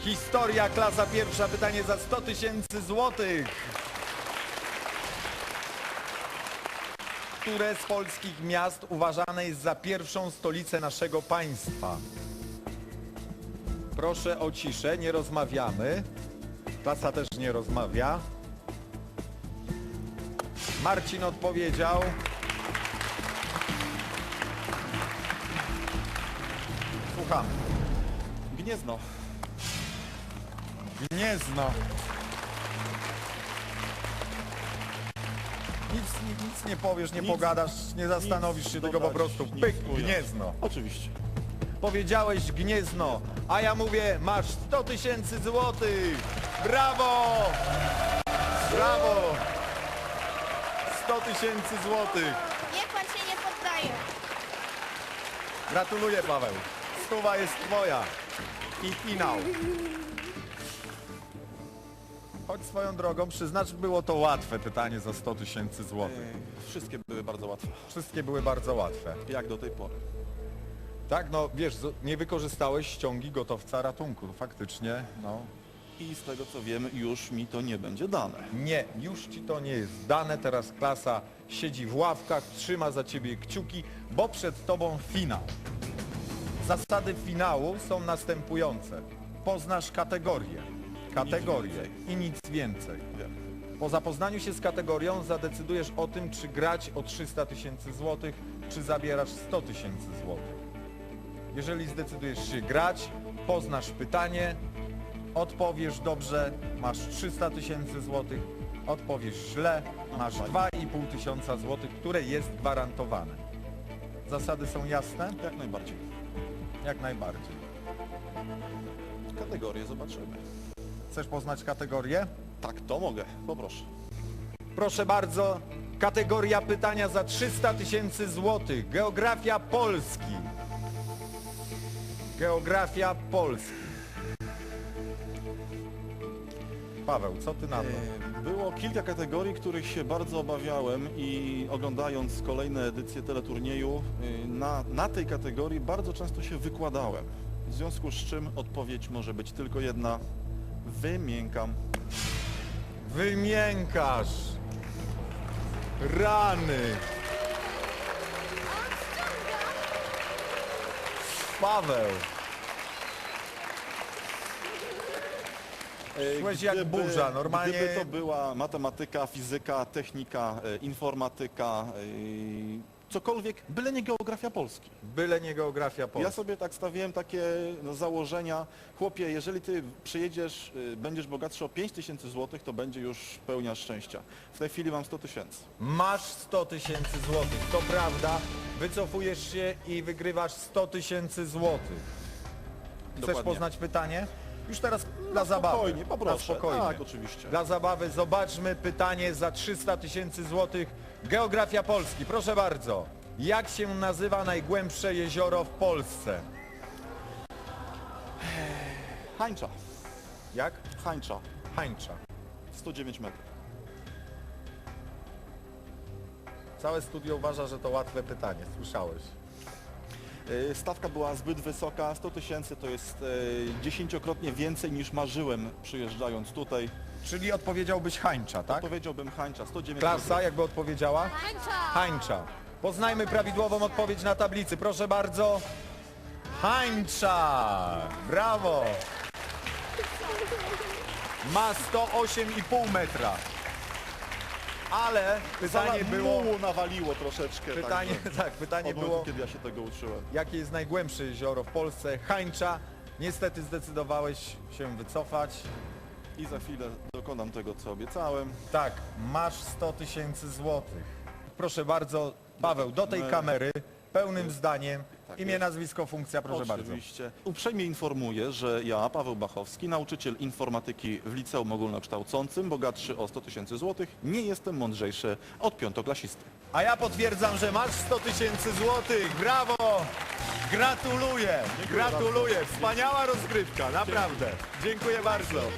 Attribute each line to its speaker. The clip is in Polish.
Speaker 1: Historia, klasa pierwsza, pytanie za 100 000 złotych. Które z polskich miast uważane jest za pierwszą stolicę naszego państwa? Proszę o ciszę, nie rozmawiamy. Klasa też nie rozmawia. Marcin odpowiedział. Słuchamy.
Speaker 2: Gniezno.
Speaker 1: Gniezno. Nic nie powiesz, nie pogadasz, nie zastanowisz się, tylko po prostu pyk, Gniezno.
Speaker 2: Oczywiście.
Speaker 1: Powiedziałeś Gniezno, a ja mówię, masz 100 000 złotych. Brawo! Brawo! 100 000 złotych.
Speaker 3: Niech pan się nie poddaje.
Speaker 1: Gratuluję, Paweł. Stuwa jest twoja. I finał. Choć swoją drogą, przyznacz, było to łatwe pytanie za 100 000 złotych.
Speaker 2: Wszystkie były bardzo łatwe.
Speaker 1: Wszystkie były bardzo łatwe.
Speaker 2: Jak do tej pory.
Speaker 1: Tak, no wiesz, nie wykorzystałeś ściągi gotowca ratunku. Faktycznie, no.
Speaker 2: I z tego co wiem, już mi to nie będzie dane.
Speaker 1: Nie, już ci to nie jest dane. Teraz klasa siedzi w ławkach, trzyma za ciebie kciuki, bo przed tobą finał. Zasady finału są następujące. Poznasz kategorię. Kategorię i nic więcej.
Speaker 2: Wiem.
Speaker 1: Po zapoznaniu się z kategorią zadecydujesz o tym, czy grać o 300 000 złotych, czy zabierasz 100 000 złotych. Jeżeli zdecydujesz się grać, poznasz pytanie, odpowiesz dobrze, masz 300 000 złotych, odpowiesz źle, masz 2500 złotych, które jest gwarantowane. Zasady są jasne?
Speaker 2: Jak najbardziej.
Speaker 1: Jak najbardziej.
Speaker 2: Kategorię zobaczymy.
Speaker 1: Chcesz poznać kategorię?
Speaker 2: Tak, to mogę. Poproszę.
Speaker 1: Proszę bardzo, kategoria pytania za 300 000 złotych. Geografia Polski. Geografia Polski. Paweł, co ty na to?
Speaker 2: Było kilka kategorii, których się bardzo obawiałem i oglądając kolejne edycje teleturnieju, na tej kategorii bardzo często się wykładałem. W związku z czym odpowiedź może być tylko jedna. Wymiękam.
Speaker 1: Wymiękasz. Rany. Paweł. Szłeś jak burza, normalnie.
Speaker 2: Gdyby to była matematyka, fizyka, technika, informatyka, cokolwiek, byle nie geografia Polski.
Speaker 1: Byle nie geografia Polski.
Speaker 2: Ja sobie tak stawiałem takie założenia. Chłopie, jeżeli ty przyjedziesz, będziesz bogatszy o 5000 złotych, to będzie już pełnia szczęścia. W tej chwili mam 100 000.
Speaker 1: Masz 100 000 złotych, to prawda. Wycofujesz się i wygrywasz 100 000 złotych. Chcesz
Speaker 2: Dokładnie.
Speaker 1: poznać pytanie? Już teraz dla zabawy.
Speaker 2: Spokojnie, poproszę.
Speaker 1: Na spokojnie.
Speaker 2: Tak, oczywiście.
Speaker 1: Dla zabawy zobaczmy pytanie za 300 000 złotych. Geografia Polski. Proszę bardzo. Jak się nazywa najgłębsze jezioro w Polsce?
Speaker 2: Hańcza.
Speaker 1: Jak?
Speaker 2: Hańcza.
Speaker 1: Hańcza.
Speaker 2: 109 metrów.
Speaker 1: Całe studio uważa, że to łatwe pytanie. Słyszałeś?
Speaker 2: Stawka była zbyt wysoka. 100 000 to jest 10-krotnie więcej niż marzyłem przyjeżdżając tutaj.
Speaker 1: Czyli odpowiedziałbyś Hańcza, tak?
Speaker 2: Powiedziałbym Hańcza. 109
Speaker 1: Klasa
Speaker 2: metrów.
Speaker 1: jakby odpowiedziała? Hańcza. Poznajmy prawidłową odpowiedź na tablicy. Proszę bardzo. Hańcza. Brawo. Ma 108,5 metra. Ale pytanie było...
Speaker 2: Mułu nawaliło troszeczkę.
Speaker 1: Pytanie,
Speaker 2: także
Speaker 1: tak, pytanie
Speaker 2: od momentu,
Speaker 1: było,
Speaker 2: kiedy ja się tego uczyłem.
Speaker 1: jakie jest najgłębsze jezioro w Polsce? Hańcza. Niestety zdecydowałeś się wycofać.
Speaker 2: I za chwilę dokonam tego, co obiecałem.
Speaker 1: Tak, masz 100 000 złotych. Proszę bardzo, Paweł, do tej kamery, pełnym zdaniem,
Speaker 2: Tak
Speaker 1: imię,
Speaker 2: jest.
Speaker 1: nazwisko, funkcja, proszę bardzo.
Speaker 2: Oczywiście. Uprzejmie informuję, że ja, Paweł Bachowski, nauczyciel informatyki w liceum ogólnokształcącym, bogatszy o 100 000 złotych, nie jestem mądrzejszy od piątoklasisty.
Speaker 1: A ja potwierdzam, że masz 100 000 złotych. Brawo! Gratuluję! Gratuluję! Wspaniała rozgrywka, naprawdę. Dziękuję bardzo.